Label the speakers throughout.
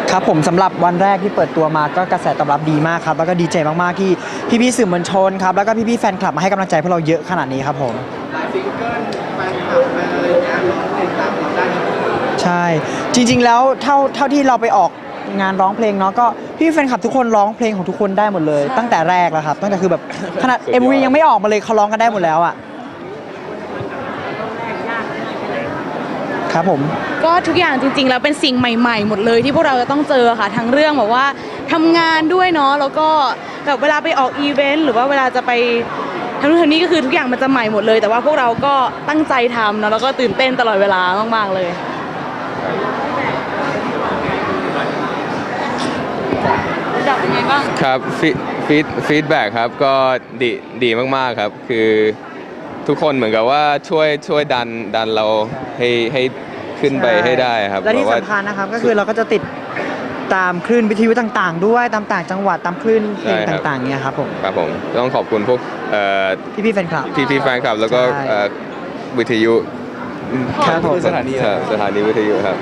Speaker 1: ครับผมสำหรับวันแรกที่เปิดตัวมาก็กระแสตอบรับดีมากครับแล้วก็ดีใจมากๆที่พี่ๆสื่อมวลชนครับแล้วก็พี่ๆแฟนคลับมาให้กำลังใจพวกเราเยอะขนาดนี้ครับผม
Speaker 2: หลายซิงเกิลแฟนคลับแฟนอะไรอย่างเงี้ยร้องเพลงตามเราได้ทั้งหมด
Speaker 1: ใช่จริงๆแล้วเท่าที่เราไปออกงานร้องเพลงเนาะก็พี่แฟนคลับทุกคนร้องเพลงของทุกคนได้หมดเลยตั้งแต่แรกแล้วครับตั้งแต่คือแบบขนาด MV ยังไม่ออกมาเลยเขาร้องกันได้หมดแล้วอ่ะครับผม
Speaker 3: ก็ทุกอย่างจริงๆแล้วเป็นสิ่งใหม่ๆหมดเลยที่พวกเราจะต้องเจอค่ะทั้งเรื่องแบบว่าทำงานด้วยเนาะแล้วก็แบบเวลาไปออกอีเวนต์หรือว่าเวลาจะไปทำนู่นทำนี่ก็คือทุกอย่างมันจะใหม่หมดเลยแต่ว่าพวกเราก็ตั้งใจทำเนาะแล้วก็ตื่นเต้นตลอดเวลามากๆเลยดับยังไงบ้าง
Speaker 4: ครับฟีดแบ็กครับก็ดีมากๆครับคือทุกคนเหมือนกับว่าช่วยดันเราให้ขึ้นไปให้ได้ครับ
Speaker 1: และที่สำคัญนะครับก็คือเราก็จะติดตามคลื่นวิทยุต่างๆด้วยตามต่างจังหวัดตามคลื่นเพลงต่างๆเนี่ยครับผม
Speaker 4: ต้องขอบคุณพวก
Speaker 1: พี่แฟนคลับ
Speaker 4: แฟนคลับแล้วก็วิทยุ
Speaker 1: ครับผม
Speaker 4: สถานีวิทยุครับ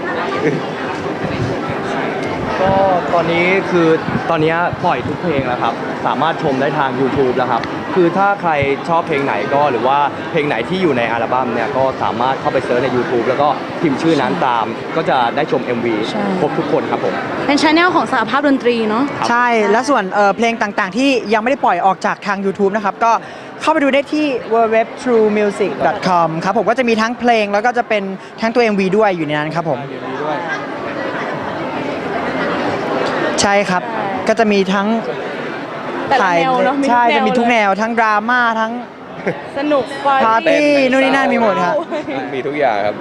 Speaker 5: ก็ตอนนี้ตอนนี้ปล่อยทุกเพลงแล้วครับสามารถชมได้ทาง YouTube แล้วครับคือถ้าใครชอบเพลงไหนก็หรือว่าเพลงไหนที่อยู่ในอัลบั้มเนี่ยก็สามารถเข้าไปเซิร์ชใน YouTube แล้วก็พิมพ์ชื่อนั้นตามก็จะได้ชม MV ครบทุกคนครับผม
Speaker 3: เป็นชาแนลของสหภาพดนตรีเนาะ
Speaker 1: ใช่และส่วนเพลงต่างๆที่ยังไม่ได้ปล่อยออกจากทาง YouTube นะครับก็เข้าไปดูได้ที่ www.truemusic.com ครับผมก็จะมีทั้งเพลงแล้วก็จะเป็นทั้งตัว MV ด้วยอยู่ในนั้นครับผมใช่ครับก็จะมีทั้ง
Speaker 3: ถ่าย
Speaker 1: ใช่จะมีทุกแนวทั้งดราม่าทั้ง
Speaker 3: สนุก
Speaker 1: ปาร์ตี้นู่นนี่นั่นมีหมดครับ
Speaker 4: มีทุกอย่างครับ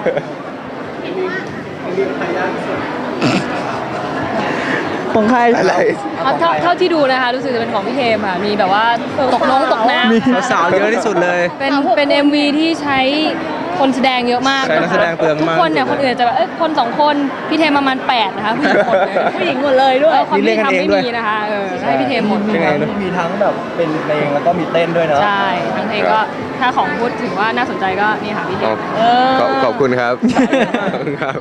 Speaker 1: ของใคร
Speaker 6: เท่าที่ดูนะคะรู้สึกจะเป็นของพี่เทมค่ะมีแบบว่าตกน้ำ
Speaker 1: มีสาวเยอะที่สุดเลย
Speaker 6: เป็น MV ที่ใช้คนแสดงเยอะมาก
Speaker 4: ใช้นักแสดงเปลืองมาก
Speaker 6: ทุกคนเนี่ยคนอื่นจะแบบคน2คนพี่เทมประมาณ8นะคะผู้หญิงหมดเลยด้วยความที่ทำไม่มีนะคะให้พี่เทมหมด
Speaker 5: มีทั้งแบบเป็นเพลงแล้วก็มีเต้นด้วยเนาะ
Speaker 6: ใช่ทั้งเพลงก็ถ้าของพูดถึงว่าน่าสนใจก็นี่ค่ะพี่เทม
Speaker 4: ขอบคุณครับขอบคุณครับ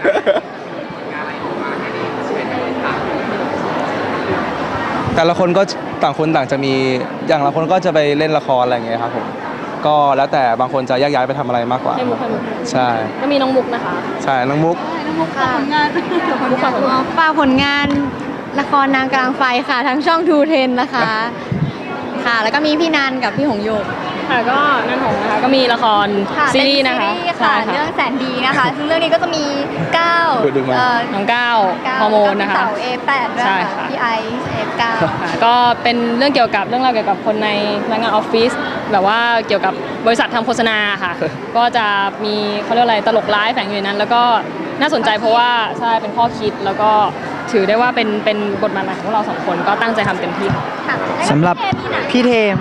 Speaker 5: แต่ละคนก็ต่างคนต่างจะมีอย่างละคนก็จะไปเล่นละครอะไรอย่างเงี้ยครับผมก็แล้วแต่บางคนจะแยกย้ายไปทำอะไรมากกว่าใช่
Speaker 6: ก็มีน้องมุกนะคะ
Speaker 5: ใช่น้องมุก
Speaker 3: ค่ะผลงาน
Speaker 6: ฝาก
Speaker 3: ผลงานละครนางกลางไฟค่ะทั้งช่องทูเทนนะคะค่ะแล้วก็มีพี่นันกับพี่หงโยก
Speaker 6: ค่ะก็นั่นหงนะคะก็มีละครซีรีส์นะคะ
Speaker 3: เรื่องแสนดีนะคะซึ่งเรื่องนี้ก็จะมี
Speaker 6: น้องก้าวฮอร์โมนนะคะ
Speaker 3: เสา A8 ด้วยค่ะพี่ไอซ์ F9
Speaker 6: ก็เป็นเรื่องเกี่ยวกับเรื่องราวเกี่ยวกับคนในพนักงานออฟฟิศแบบว่าเกี่ยวกับบริษัททำโฆษณาค่ะก็จะมีเขาเรียกอะไรตลกร้ายแฝงอยู่ในนั้นแล้วก็น่าสนใจเพราะว่าใช่เป็นข้อคิดแล้วก็ถือได้ว่าเป็นบทบาทใหม่ของเรา2คนก็ตั้งใจทำเต็มที่
Speaker 1: สำหรับพี่เทม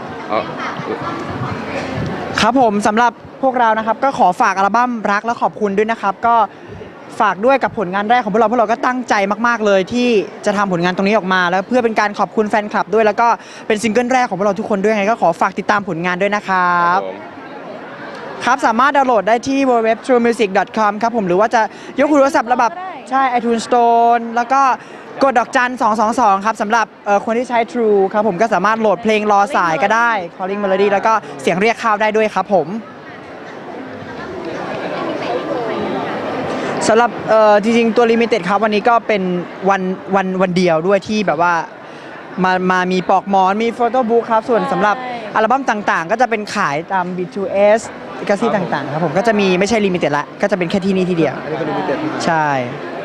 Speaker 1: ครับผมสำหรับพวกเรานะครับก็ขอฝากอัลบั้มรักและขอบคุณด้วยนะครับก็ฝากด้วยกับผลงานแรกของพวกเราก็ตั้งใจมากๆเลยที่จะทำผลงานตรงนี้ออกมาแล้วเพื่อเป็นการขอบคุณแฟนคลับด้วยแล้วก็เป็นซิงเกิลแรกของพวกเราทุกคนด้วยไงก็ขอฝากติดตามผลงานด้วยนะครับครับสามารถดาวน์โหลดได้ที่ www.truemusic.com ครับผมหรือว่าจะยกหูโทรศัพท์ระบบใช่ iTunes Store แล้วก็กดดอกจัน222ครับสำหรับคนที่ใช้ True ครับผมก็สามารถโหลดเพลงรอสายก็ได้ Calling Melody แล้วก็เสียงเรียกเข้าได้ด้วยครับผมสำหรับจริงๆตัว Limited ครับวันนี้ก็เป็นวันเดียวด้วยที่แบบว่ามามีปลอกหมอนมีโฟโต้บุ๊กครับส่วนสำหรับอัลบั้มต่างๆก็จะเป็นขายตาม B2S กาซี่ต่างๆครับผมก็จะมีไม่ใช่ Limited ละก็จะเป็นแค่ที่นี่ที่เดียวใช่